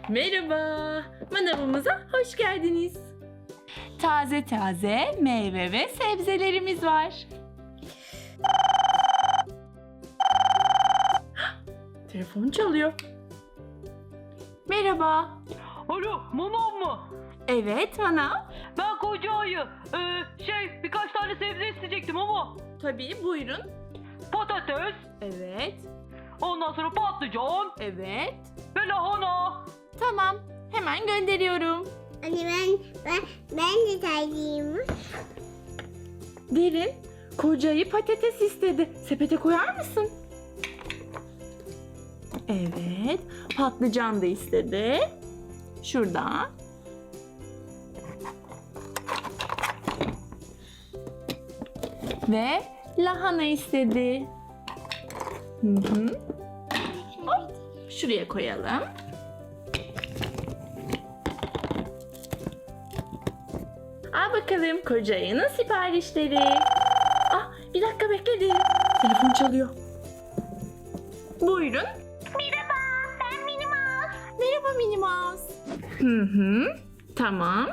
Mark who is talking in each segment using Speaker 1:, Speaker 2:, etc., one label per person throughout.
Speaker 1: Merhaba, manavımıza hoş geldiniz. Taze taze meyve ve sebzelerimiz var. Telefon çalıyor. Merhaba.
Speaker 2: Alo, manav mı?
Speaker 1: Evet, manav.
Speaker 2: Ben koca ayı. Birkaç tane sebze isteyecektim ama.
Speaker 1: Tabii, buyurun.
Speaker 2: Patates,
Speaker 1: Evet,
Speaker 2: ondan sonra patlıcan
Speaker 1: evet.
Speaker 2: ve lahana.
Speaker 1: Tamam, hemen gönderiyorum.
Speaker 3: Anne ben de tercihim.
Speaker 1: Derin, kocayı patates istedi. Sepete koyar mısın? Evet, patlıcan da istedi. Şurada. Ve lahana istedi. Hı. Hop, şuraya koyalım. Al bakalım koca ayının siparişleri. Ah, bir dakika bekledim. Telefon çalıyor. Buyurun.
Speaker 3: Merhaba, ben Minnie Mouse.
Speaker 1: Merhaba Minnie Mouse. Hı. Tamam.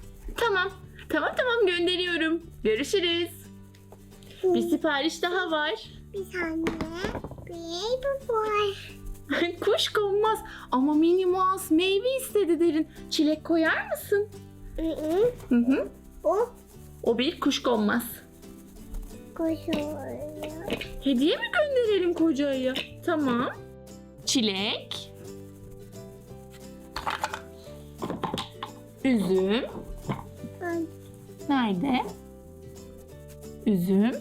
Speaker 1: Tamam gönderiyorum. Görüşürüz. Bir sipariş daha var.
Speaker 3: Bir tane bir bu var.
Speaker 1: Kuş konmaz. Ama Minnie Mouse meyve istedi Derin. Çilek koyar mısın? Hı.
Speaker 3: O
Speaker 1: O bir kuş konmaz.
Speaker 3: koşuyor.
Speaker 1: Hediye mi gönderelim kocaya? Tamam. Çilek. Üzüm. Nerede? Üzüm.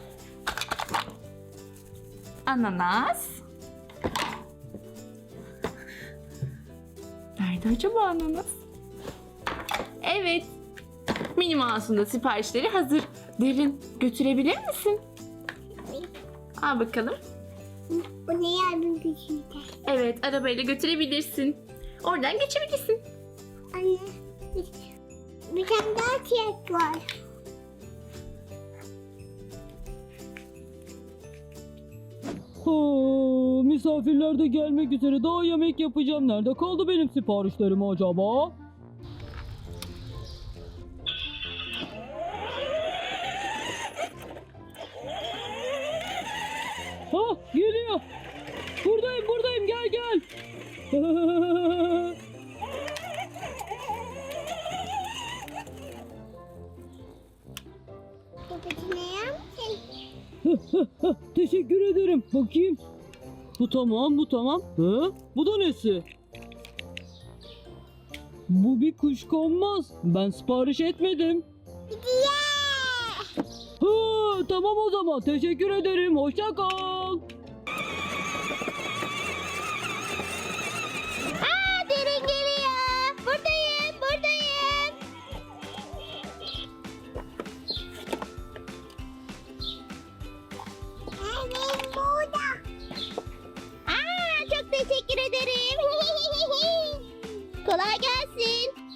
Speaker 1: Ananas. Nerede acaba ananas? Evet. Minnie Mouse'un da siparişleri hazır. Derin, götürebilir misin? Al bakalım.
Speaker 3: Bu ne yardım gücüydü?
Speaker 1: Evet, arabayla götürebilirsin. Oradan geçebilirsin.
Speaker 3: Anne bir tane daha çiçek var.
Speaker 2: Misafirler de gelmek üzere. Daha yemek yapacağım. Nerede kaldı benim siparişlerim acaba? Ha, geliyor. Buradayım, gel.
Speaker 3: Babacı ne yaptın?
Speaker 2: Teşekkür ederim. Bakayım. Bu tamam. Bu da nesi? Bu bir kuşkonmaz. Ben sipariş etmedim. Tamam o zaman. Teşekkür ederim. Hoşça kal.
Speaker 3: Derin geliyor. Buradayım. Evet burada. Çok teşekkür ederim. Kolay gelsin.